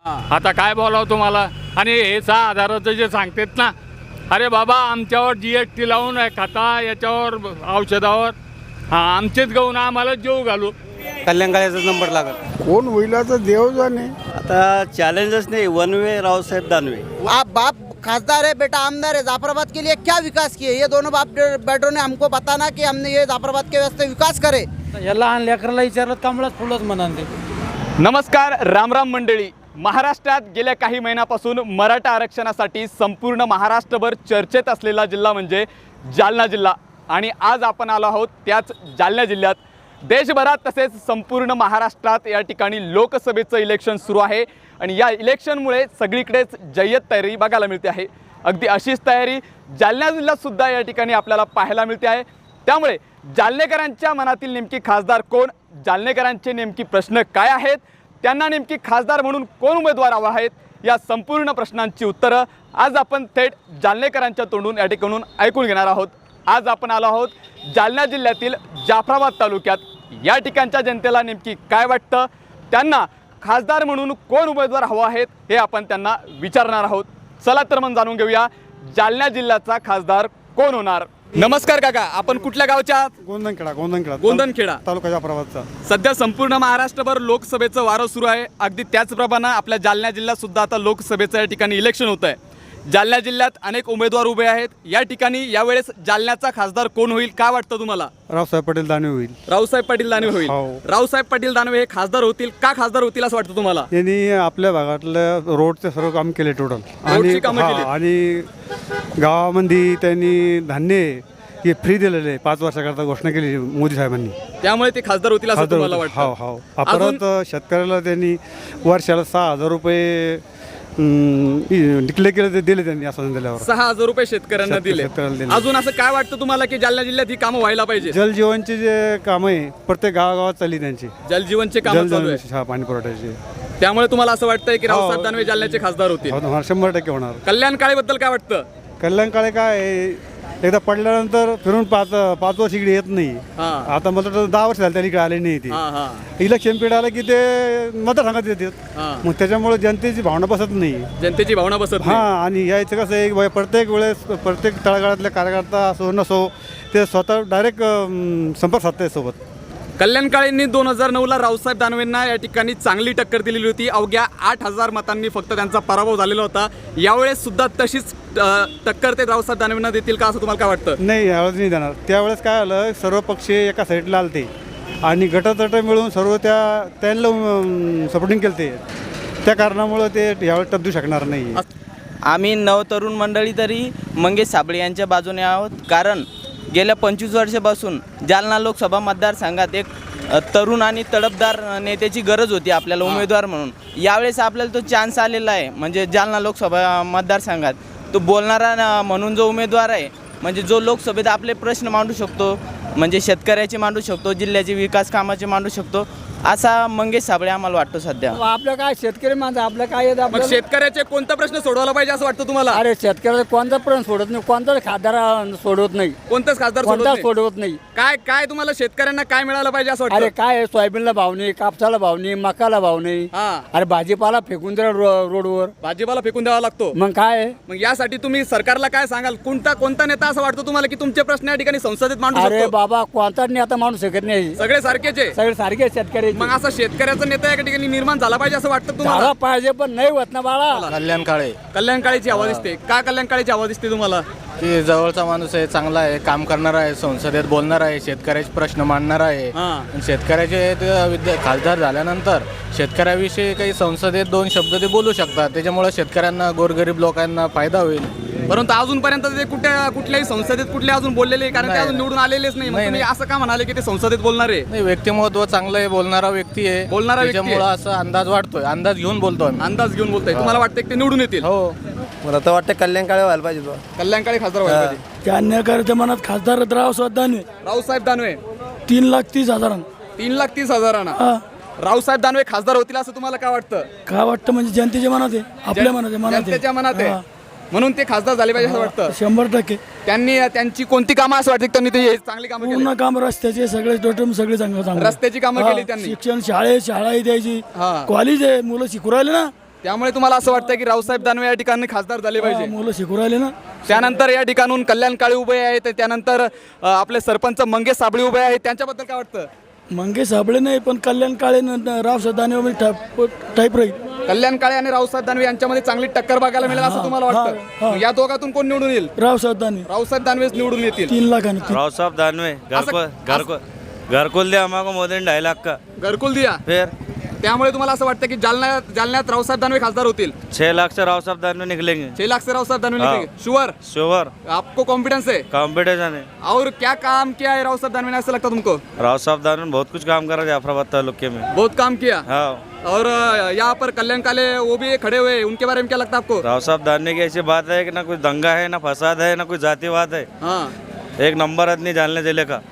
आता काय बोलावं तुम्हाला. आणि हे 6,000चं जे सांगतात ना, अरे बाबा आमच्यावर GST लावून खाता याच्यावर औषधावर आमचेच गहून आम्हाला जेव घालू. कल्याणकाळ्याचा नंबर लागत कोण होईल तर देव जाणे. आता चॅलेंजच नाही, वन वे रावसाहेब दानवे. आप बाप खासदार है, बेटा आमदार है, जाफराबाद के लिए क्या विकास किए? ये दोनों बाप बेटों ने हमको बताना कि हमने ये जाफराबाद के वास्ते विकास करे. या लहान लेकराला विचारलं कमळाच फुलच म्हणाल ते. नमस्कार, रामराम मंडळी. महाराष्ट्रात गेल्या काही महिन्यापासून मराठा आरक्षणासाठी संपूर्ण महाराष्ट्रभर चर्चेत असलेला जिल्हा म्हणजे जालना जिल्हा. आणि आज आपण आलो आहोत त्याच जालना जिल्ह्यात. देशभरात तसेच संपूर्ण महाराष्ट्रात या ठिकाणी लोकसभेचं इलेक्शन सुरू आहे आणि या इलेक्शनमुळे सगळीकडेच जय्यत तयारी बघायला मिळते आहे. अगदी अशीच तयारी जालना जिल्ह्यातसुद्धा या ठिकाणी आपल्याला पाहायला मिळते आहे. त्यामुळे जालनेकरांच्या मनातील नेमकी खासदार कोण, जालनेकरांचे नेमकी प्रश्न काय आहेत, त्यांना नेमकी खासदार म्हणून कोण उमेदवार हवा आहेत, या संपूर्ण प्रश्नांची उत्तरं आज आपण थेट जालनेकरांच्या तोंडून या ठिकाणून ऐकून घेणार आहोत. आज आपण आलो आहोत जालना जिल्ह्यातील जाफराबाद तालुक्यात. या ठिकाणच्या जनतेला नेमकी काय वाटतं, त्यांना खासदार म्हणून कोण उमेदवार हवा आहेत हे आपण त्यांना विचारणार आहोत. चला तर मग जाणून घेऊया जालना जिल्ह्याचा खासदार कोण होणार. नमस्कार काका, आपण कुठल्या गावच्या आहात? गोंधनखेडा तालुका जाफराबादचा. सध्या संपूर्ण महाराष्ट्रभर लोकसभेचं वारं सुरू आहे. अगदी त्याचप्रमाणे आपल्या जालना जिल्ह्यात सुद्धा आता लोकसभेचं या ठिकाणी इलेक्शन होत आहे. जालना जिल्ह्यात अनेक उमेदवार उभे आहेत. या ठिकाणी यावेळेस जालन्याचा खासदार कोण होईल, काय वाटतं तुम्हाला? रावसाहेब पाटील दानवे होईल. रावसाहेब पाटील दानवे होईल. हो. रावसाहेब पाटील दानवे हे खासदार होतील. का खासदार होतील असं वाटतं तुम्हाला? यांनी आपल्या भागातलं रोडचे सर्व काम केले टोटल. रोडची कामं केली. आणि गावामध्ये त्यांनी धान्य हे फ्री दिलेले आहे. 5 वर्षाकरता घोषणा केली मोदी साहेबांनी. त्यामुळे ते खासदार होतील असं तुम्हाला वाटतं? हो. परत शेतकऱ्याला त्यांनी वर्षाला 6,000 रुपये डिक्लेअर केले, ते दिले त्यांनी. असं दिल्यावर 6,000 रुपये शेतकऱ्यांना दिले. अजून असं काय वाटतं तुम्हाला की जालना जिल्ह्यात ही कामं व्हायला पाहिजे? जलजीवनचे जे काम आहे प्रत्येक गावागावात चालली त्यांची. जलजीवनचे काम चालू आहे, पाणी पुरवठ्याचे. त्यामुळे तुम्हाला असं वाटतंय की रावसाहेब दानवे जालन्याचे खासदार होतील? 100% होणार. कल्याण काळेबद्दल काय वाटतं? कल्याण काळे काय आहे, एकदा पडल्यानंतर फिरून 5 वर्ष इकडे येत नाही. आता मला तर 10 वर्ष झाले त्याला इकडे आले नाही. ते इलेक्शन पिरियड आलं की ते मतदारसंघात येतात. मग त्याच्यामुळे जनतेची भावना बसत नाही. जनतेची भावना बसत नाही. आणि यायचं कसं आहे, प्रत्येक वेळेस प्रत्येक तळागाळातले कार्यकर्ता असो नसो ते स्वतः डायरेक्ट संपर्क साधतात सोबत. कल्याण काळेंनी 2009ला रावसाहेब दानवेंना या ठिकाणी चांगली टक्कर दिलेली होती. अवघ्या 8,000 मतांनी फक्त त्यांचा पराभव झालेला होता. यावेळेस सुद्धा तशीच टक्कर ते रावसाहेब दानवेंना देतील का असं तुम्हाला काय वाटतं? नाही, यावेळेस नाही देणार. त्यावेळेस काय आलं, सर्व पक्ष एका साईडला आलते आणि गटतट मिळून सर्व त्यांना सपोर्टिंग केलं ते. त्या कारणामुळं ते यावेळेस टपदू शकणार नाही. आम्ही नवतरुण मंडळी तरी मंगेश साबळे यांच्या बाजूने आहोत. कारण गेल्या 25 वर्षापासून जालना लोकसभा मतदारसंघात एक तरुण आणि तडफदार नेत्याची गरज होती आपल्याला उमेदवार म्हणून. यावेळेस आपल्याला तो चान्स आलेला आहे. म्हणजे जालना लोकसभा मतदारसंघात तो बोलणारा म्हणून जो उमेदवार आहे, म्हणजे जो लोकसभेत आपले प्रश्न मांडू शकतो, म्हणजे शेतकऱ्याचे मांडू शकतो, जिल्ह्याचे विकास कामाचे मांडू शकतो, असा मंगेश साबळे आम्हाला वाटतो सध्या. आपलं काय शेतकरी माणसं, आपलं काय येतं मग आपल्याला? शेतकऱ्याचे कोणता प्रश्न सोडवायला पाहिजे असं वाटतं तुम्हाला? अरे शेतकऱ्याचा कोणता प्रश्न सोडत नाही, कोणताच खासदार सोडवत नाही, कोणताच खासदार कोणताच सोडवत नाही. काय काय तुम्हाला शेतकऱ्यांना काय मिळालं पाहिजे असं वाटतं? अरे काय आहे, सोयाबीनला भाव नाही, कापसाला भाव नाही, मकाला भाव नाही. अरे भाजीपाला फेकून द्या रोडवर, भाजीपाला फेकून द्यावा लागतो. मग काय आहे? मग यासाठी तुम्ही सरकारला काय सांगाल? कोणता नेता असं वाटतं तुम्हाला की तुमचे प्रश्न या ठिकाणी संसदेत मांडू अरे शकतो? बाबा कोणताच नाही आता माणूस शकत नाही. सगळे सारखेच आहे. सगळे सारखे शेतकरी. मग असा शेतकऱ्याचा नेता या ठिकाणी निर्माण झाला पाहिजे असं वाटतं तुम्हाला? झाला पाहिजे पण नाही होत ना बाळा. कल्याण काळे कल्याण काळेची आवाज दिसते. का कल्याण काळेची आवाज दिसते तुम्हाला? की जवळचा माणूस आहे, चांगला आहे, काम करणारा आहे, संसदेत बोलणारा आहे, शेतकऱ्याचे प्रश्न मांडणारा आहे. शेतकऱ्याचे खासदार झाल्यानंतर शेतकऱ्याविषयी काही संसदेत 2 शब्द ते बोलू शकतात. त्याच्यामुळे शेतकऱ्यांना, गोरगरीब लोकांना फायदा होईल. परंतु अजूनपर्यंत ते कुठल्याही संसदेत कुठले अजून बोललेले, कारण ते अजून निवडून आलेलेच नाही. मग तुम्ही असं का म्हणाले की ते संसदेत बोलणार आहे? नाही, व्यक्तिमत्व चांगलं आहे, बोलणारा व्यक्ती आहे. त्याच्यामुळे असं अंदाज वाटतोय, अंदाज घेऊन बोलतोय. अंदाज घेऊन बोलताय. तुम्हाला वाटतं की ते निवडून येतील? हो, मला तर वाटतं कल्याण काळे व्हायला पाहिजे. कल्याण काळे खासदार व्हायला पाहिजे. जालन्याकरच्या मनात खासदार रावसाहेब दानवे. रावसाहेब दानवे 3,30,000. 3,30,000. रावसाहेब दानवे खासदार होतील असं तुम्हाला काय वाटतं? काय वाटतं म्हणजे जनतेच्या मनात आहे, आपल्या मनात आहे, जनतेच्या मनात आहे म्हणून ते खासदार झाले पाहिजे असं वाटतं? 100%. त्यांची कोणती कामं असं वाटतं त्यांनी ते चांगली कामं केली? पूर्ण काम रस्त्याचे सगळे टोटल सगळे चांगलं. रस्त्याची कामं केली त्यांनी. शिक्षण शाळा द्यायची, हा. कॉलेज आहे, मुलं शिकू राहिले ना. त्यामुळे तुम्हाला असं वाटतं की रावसाहेब दानवे या ठिकाणी खासदार झाले पाहिजे. मुलं शिकू राहिले ना. त्यानंतर या ठिकाणून कल्याण काळे उभे आहेत, त्यानंतर आपले सरपंच मंगेश साबळे उभे आहेत, त्यांच्याबद्दल काय वाटतं? मंगेश साबळे नाही पण कल्याण काळे रावसाहेब दानवे टाईप राहील. कल्याण काळे आणि रावसाहेब दानवे यांच्यामध्ये चांगली टक्कर बघायला मिळेल असं तुम्हाला वाटतं? या दोघातून कोण निवडून येईल? रावसाहेब दानवे रावसाहेब दानवेच निवडून येतील. 3 लाखाने. रावसाहेब दानवे घर को दिया हमको मोदी ने 2.5 लाख का घरकुल दिया. फिर त्यामुळे तुम्हाला असं वाटतं की जालन्यात रावसाहेब दानवे खासदार होतील? 6 लाख से रावसाहेब दानवे निकलेंगे. 6 लाख से रावसाहेब दानवे हाँ। निकलेंगे? श्योर? श्योर, आपको कॉन्फिडेंस है? कॉम्पिटिशन है. और क्या काम किया है रावसाहेब दानवे ने, ऐसा लगता तुमको? रावसाहेब दानवे ने बहुत कुछ काम करा जाफराबाद तालुके में. बहुत काम किया. हाँ, और यहाँ पर कल्याण काले वो भी खड़े हुए हैं, उनके बारे में क्या लगता है आपको? रावसाहेब दानवे की ऐसी बात है कि ना कोई दंगा है, ना फसाद है, ना कोई जातिवाद है. हाँ. एक नंबर आदमी जालना जिले का.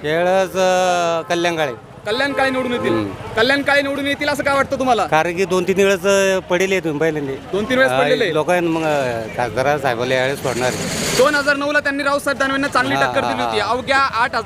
कल्याण काळे. कल्याण काळे निवडून येतील. कल्याण काळे निवडून येतील असं काय वाटतं तुम्हाला? कारण की 2-3 वेळेस पडेल तुम्ही पहिल्यांदा 2-3 वेळेस पडलेले. लोकांना मग खासदार साहेबाला यावेळेस पडणार. 2009 ला त्यांनी रावसाहेब दानवेंना चांगली टक्कर दिली होती. अवघ्या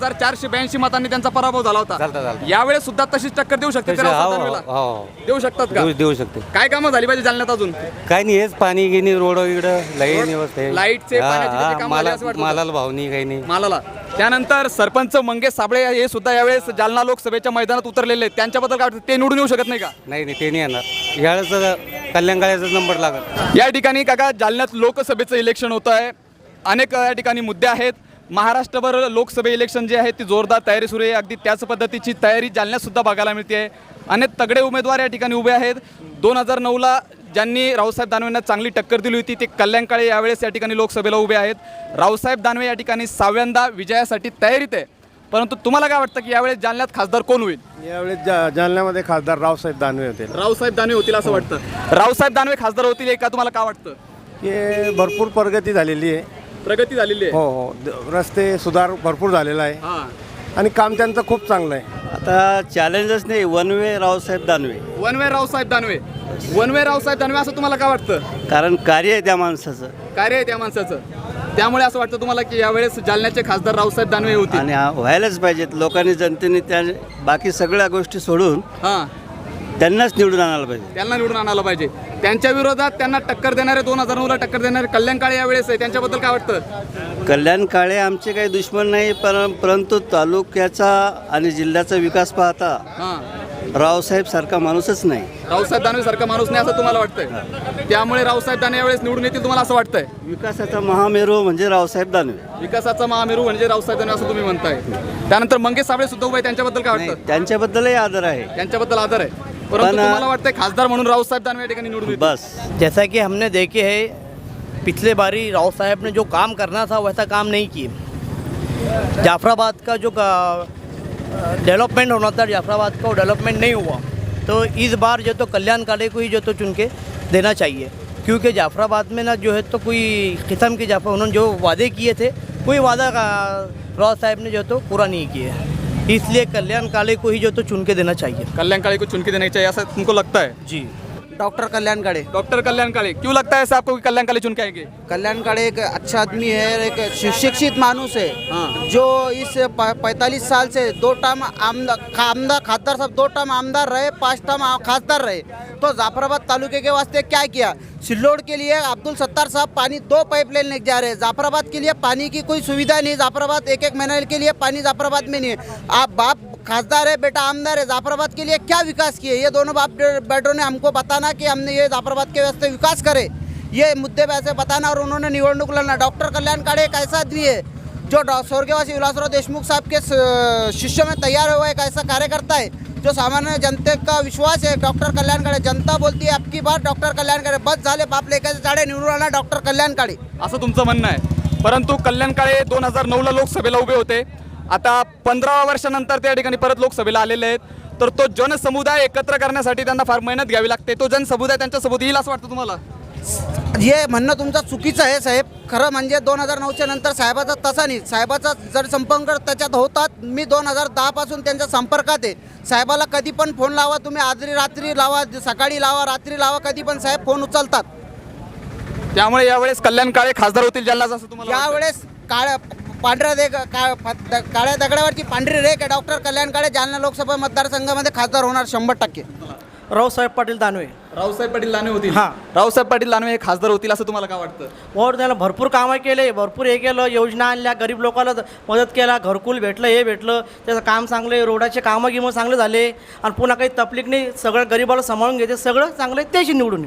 8,482 मतांनी त्यांचा पराभव झाला होता. यावेळेस सुद्धा तशीच टक्कर देऊ शकते ते रावसाहेब दानवेला? देऊ शकतात का? देऊ शकते. काय कामं झाली पाहिजे जालन्यात अजून? काय नाही, हेच पाणी गिनी रोड इकडं लाईन व्यवस्था आहे. लाईटचे, पाण्याचे त्याचे कामं झाले असं वाटतं? मालाला भाव नाही, काही नाही. मालाला. त्यानंतर सरपंच मंगेश साबळे हे सुद्धा यावेळेस जालना लोकसभेच्या मैदानात उतरलेले आहेत. त्यांच्याबद्दल काय वाटतं? ते निवडून येऊ शकत नाही का? नाही ते नाही येणार. यावेळेस कल्याण काळ्याचा नंबर लागत. या ठिकाणी काका जालन्यात लोकसभेचं इलेक्शन होतं आहे. अनेक या ठिकाणी मुद्दे आहेत. महाराष्ट्रभर लोकसभा इलेक्शन जे आहे ती जोरदार तयारी सुरू आहे. अगदी त्याच पद्धतीची तयारी जालन्यात सुद्धा बघायला मिळते आहे. अनेक तगडे उमेदवार या ठिकाणी उभे आहेत. 2009ला ज्यांनी रावसाहेब दानवेंना चांगली टक्कर दिली होती ते कल्याण काळे यावेळेस या ठिकाणी लोकसभेला उभे आहेत. रावसाहेब दानवे या ठिकाणी 6व्यांदा विजयासाठी तयारीत आहे. परंतु तुम्हाला काय वाटतं की यावेळेस जालन्यात खासदार कोण होईल? यावेळेस जालन्यामध्ये खासदार रावसाहेब दानवे होते. रावसाहेब दानवे होतील असं वाटतं. रावसाहेब दानवे खासदार होतील का तुम्हाला काय वाटतं? हे भरपूर प्रगती झालेली आहे. प्रगती झालेली आहे. हो, रस्ते सुधार भरपूर झालेला आहे हां. आणि काम त्यांचं खूप चांगलं आहे. आता चॅलेंजच नाही, one way Raosaheb Danve. One way Raosaheb Danve. One way Raosaheb Danve असं तुम्हाला काय वाटतं? कारण कार्य आहे त्या माणसाचं कार्य आहे त्या माणसाचं. त्यामुळे असं वाटतं तुम्हाला की यावेळेस जालन्याचे खासदार रावसाहेब दानवे होतील? आणि व्हायलाच पाहिजेत. लोकांनी जनतेने त्या बाकी सगळ्या गोष्टी सोडून हां, त्यांनाच निवडून आणायला पाहिजे. त्यांना निवडून आणायला पाहिजे. त्यांच्या विरोधात त्यांना टक्कर देणारे 2009ला टक्कर देणारे कल्याण काळे यावेळेस आहे. त्यांच्याबद्दल काय वाटतं? कल्याण काळे आमचे काही दुश्मन नाही, परंतु तालुक्याचा आणि जिल्ह्याचा विकास पाहता हां, रावसाहेब सारखा माणूसच नाही. रावसाहेब दानवे सारखा माणूस नाही असं तुम्हाला वाटतंय? त्यामुळे रावसाहेब दानवे यावेळेस निवडून येतील तुम्हाला असं वाटतंय? विकासाचा महामेरू म्हणजे रावसाहेब दानवे. विकासाचा महामेरू म्हणजे रावसाहेब दानवे असं तुम्ही म्हणताय. त्यानंतर मंगेश साबळे सुद्धा उभे आहेत. त्यांच्याबद्दल काय नाही, वाटतं? त्यांच्याबद्दलही आदर आहे. त्यांच्याबद्दल आदर आहे. परंतु पण- तुम्हाला वाटतंय खासदार म्हणून रावसाहेब दानवे या ठिकाणी निवडून येतील? बस जैसा कि हमने देखे है पिछले बारी राव साहब ने जो काम करना था वैसा काम नहीं किए. जाफराबाद का जो डेवलपमेंट होना था जाफराबाद का वो डेवलपमेंट नहीं हुआ. तो इस बार जो तो कल्याण काले को ही जो तो चुन के देना चाहिए, क्योंकि जाफराबाद में ना जो है तो कोई किस्म के उन्होंने जो वादे किए थे कोई वादा राव साहब ने जो तो पूरा नहीं किया है. इसलिए कल्याण काले को ही जो तो चुन के देना चाहिए. कल्याण काळे को चुन के देना चाहिए ऐसा तुमको लगता है? जी. डॉक्टर कल्याण काड़े. डॉक्टर कल्याण काळे. क्यों लगता है ऐसा आपको कि कल्याण काळे चुन के आएंगे? कल्याण काड़े एक अच्छा आदमी है, एक शिक्षित मानुस है. हाँ. जो इस 45 साल से 2 टर्म आमदार खासदार साहब 2 टर्म आमदार रहे, 5 टर्म खासदार रहे. तो जाफराबाद तालुके के वास्ते क्या किया? सिल्लोड के लिए अब्दुल सत्तार साहब पानी 2 पाइपलाइन लेके जा रहे हैं. जाफराबाद के लिए पानी की कोई सुविधा नहीं. जाफराबाद एक महीने के लिए पानी जाफराबाद में नहीं है. आप बाप खासदार है, बेटा आमदार है. जाफराबाद के लिए क्या विकास किए? ये दोनों बाप बेटों ने हमको बताना कि हमने ये जाफराबाद के वास्ते विकास करे, ये मुद्दे पे ऐसे बताना. और उन्होंने निवडणूक लड़ना. डॉक्टर कल्याण काड़े एक ऐसा आदमी है जो स्वर्गवासी विलासराव देशमुख साहब के शिष्य में तैयार हुआ एक ऐसा कार्यकर्ता है जो सामान्य जनते का विश्वास है. डॉक्टर कल्याण काड़े. जनता बोलती है आपकी बात डॉक्टर कल्याण काड़े. बस झाले, बाप लेखाचे चाडे निवडून आला डॉक्टर कल्याण काड़े असं तुमचं म्हणणं आहे. परंतु कल्याण काळे 2009ला लोकसभेला उभे होते. आता 15 वर्षानंतर त्या ठिकाणी परत लोकसभेला आलेले आहेत. तर तो जनसमुदाय एकत्र करण्यासाठी त्यांना फार मेहनत घ्यावी लागते. तो जनसमुदाय त्यांच्यासोबत येईल असं वाटतं तुम्हाला? हे म्हणणं तुमचं चुकीचं आहे साहेब. खरं म्हणजे 2009च्या नंतर साहेबाचा तसा नाही. साहेबाचा जर संपर्क त्याच्यात होतात. मी 2010 पासून त्यांच्या संपर्कात आहे. साहेबाला कधी पण फोन लावा तुम्ही. आजरी रात्री लावा, सकाळी लावा, रात्री लावा, कधी पण साहेब फोन उचलतात. त्यामुळे यावेळेस कल्याण काळे खासदार होतील जालन्यात असं तुम्हाला वाटतं? यावेळेस काळ्या दगडावरची पांढरी रेख आहे. डॉक्टर कल्याण काळे जालना लोकसभा मतदारसंघामध्ये खासदार होणार 100%. रावसाहेब पाटील दानवे. रावसाहेब पाटील दानवे होतील. हां. रावसाहेब पाटील दानवे हे खासदार होतील असं तुम्हाला काय वाटतं? और त्याला भरपूर कामं केले, भरपूर हे केलं, योजना आणल्या, गरीब लोकांना मदत केला, घरकुल भेटलं, हे भेटलं, त्याचं काम चांगले, रोडाचे कामं गिमं चांगले झाले आणि पुन्हा काही तकलीफ नाही, सगळं गरीबाला सांभाळून घेते, सगळं चांगलं आहे, त्याशी निवडून.